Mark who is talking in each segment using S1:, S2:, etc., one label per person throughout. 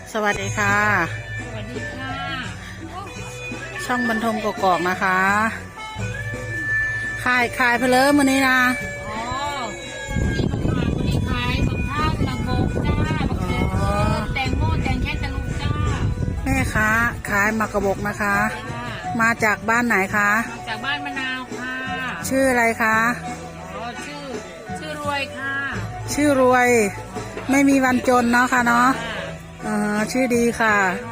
S1: สวัสดีค่ะ
S2: สวัสดีค่ะ
S1: ช่องบรรทมกกอกนะคะขายเพลิมวันนี้นะ
S2: อ๋อที่มาขายวันนี้ขายบักท่านบักบกจ้าบักเขือแตงโมแตงแค่ตะลุกจ้า
S1: แม่ค้าขายหมากกระบอกนะคะ
S2: ค่ะ
S1: มาจากบ้านไหนคะ
S2: มาจากบ้านมะนาวค่ะ
S1: ชื่ออะไรคะ
S2: อ๋อชื่อรวยค่ะ
S1: ชื่อรวย ไม่มีวันจนเนาะค่ะเนาะ
S2: ค่ะ
S1: ชื่อดีค่ะ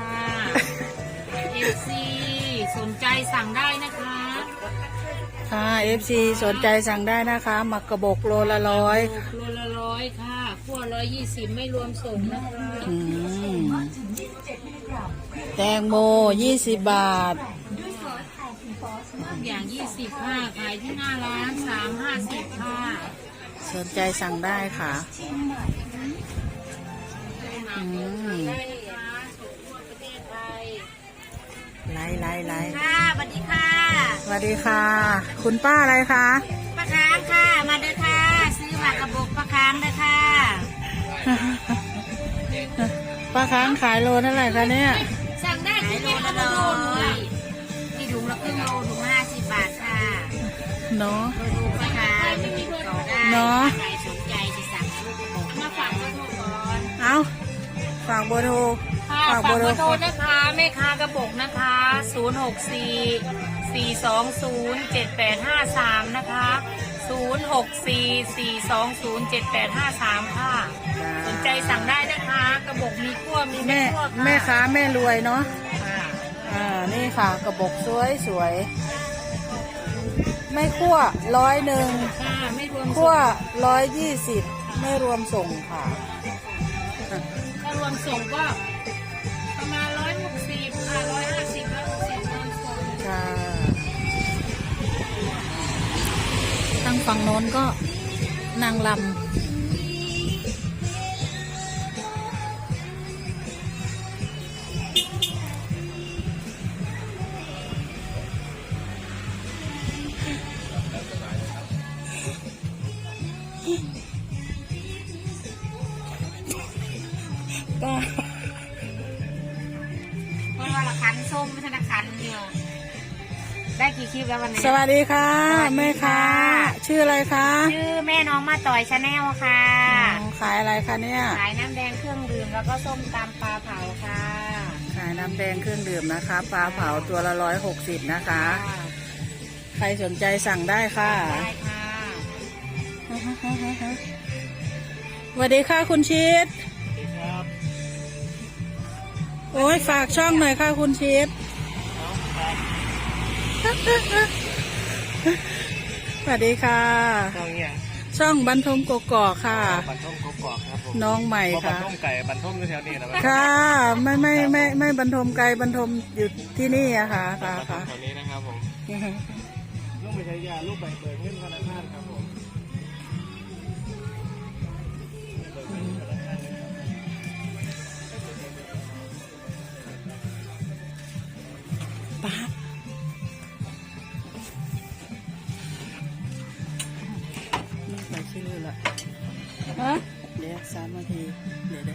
S2: FC สนใจสั่งได้นะคะ
S1: ค่ะ FC สนใจสั่งได้นะคะหมากกระบอกโลละ100
S2: โลละ100ค่ะขั้ว120ไม่รวมส่งนะคะ
S1: อืมแตงโม20 บาท
S2: ทุกอย่าง20ค่ะขายที่หน้าร้าน350ค่ะ
S1: สนใจสั่งได้ค่ะอืม
S2: ได้นะคะส่งทั่วประเทศไทย
S1: ไล่
S2: ค่ะสวัสดีค่ะ
S1: สวัสดีค่ะ คุณป้าอะไรคะ
S2: ป้าค้างค่ะ มาเด้อค่ะ ซื้อหมากกระบอกป้าค้างเด้อค่ะ
S1: ป้าค้างขายโลเท่าไหร่คะเนี่ย
S2: สั่งได้ที่โลละ100ที่ถุงละครึ่งโลถุงละ50 บาทค่ะ
S1: เนาะ
S2: ดูป้าค้างต่อได้
S1: เนาะ
S2: ใครสนใจจะสั่งลูกกระบอกมาฝากเบอร์โทรก่อน
S1: เอาฝากเบอร์โทร
S2: ค่ะฝากเบอร์โทรนะคะแม่ค้ากระบอกนะคะ064-420-7853นะคะ064-420-7853ค่ะสนใจสั่งได้นะคะกระบอกมีขั้วมี
S1: แม่
S2: ขั้วค่ะ
S1: แม่ค้าแม่รวยเนาะ
S2: ค่ะ
S1: นี่ค่ะ กระบอกสวยไม่คั่ว100
S2: ค่ะไม่รวม
S1: คั่ว
S2: ส่ง
S1: 120ไม่รวมส่งค่ะ
S2: ถ้ารวมส่งก็ประมาณ160ค่ะ150รวมส่ง
S1: ค่ะทางฝั่งโน้นก็นางลำก็
S2: เพราะว่าละคันส้มไม่ใช่ละคันเดียวได้กี่คลิปแล้ววันนี้
S1: สวัสดีค่ะ
S2: สวัสดีค่ะ
S1: แม่ค้าชื่ออะไรคะ
S2: ชื่อแม่น้องมาต่อยชาแนลค่ะ
S1: ขายอะไรคะเนี่ย
S2: ขายน้ำแดงเครื่องดื่มแล้วก็ส้มตำปลาเผาค่ะ
S1: ขายน้ำแดงเครื่องดื่มนะคะปลาเผาตัวละ160นะคะ ใครสนใจสั่งได้ค่ะ
S2: ได้ค่ะ
S1: สวัสดีค่ะคุณชิดโอ้ยฝากช่องหน่อยค่ะคุณชิดสวัสดีค่ะ
S3: ช่องเนี่ย
S1: ช่องบรรทมกกอกค่ะ
S3: บันท่มกกอกครับผม
S1: น้องใหม่
S3: บั
S1: ค่ะ
S3: นท่มไก่บันท่มอยู่แถวนี้นะ
S1: ค่ะไม่บรรทมไกลบรรทมอยู่ที่นี่อะค่ะ
S3: บั
S1: ค่ะ
S3: นท่มแถวนี้นะครับผมลูกไปใช้ยาลูกไปเปิดเงินธนาคารครับผม
S1: ป้าไม่ไปชื่อละฮะเดี๋ยว3 นาทีเดี๋ยว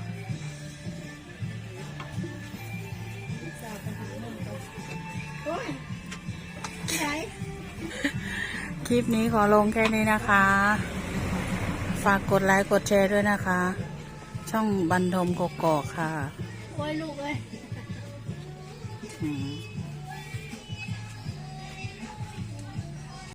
S1: คลิปนี้ขอลงแค่นี้นะคะ ฝากกดไลค์กดแชร์ด้วยนะคะ ช่องบรรทมกกอกค่ะ
S2: โอ้ยลูกเอ้ย
S1: อืม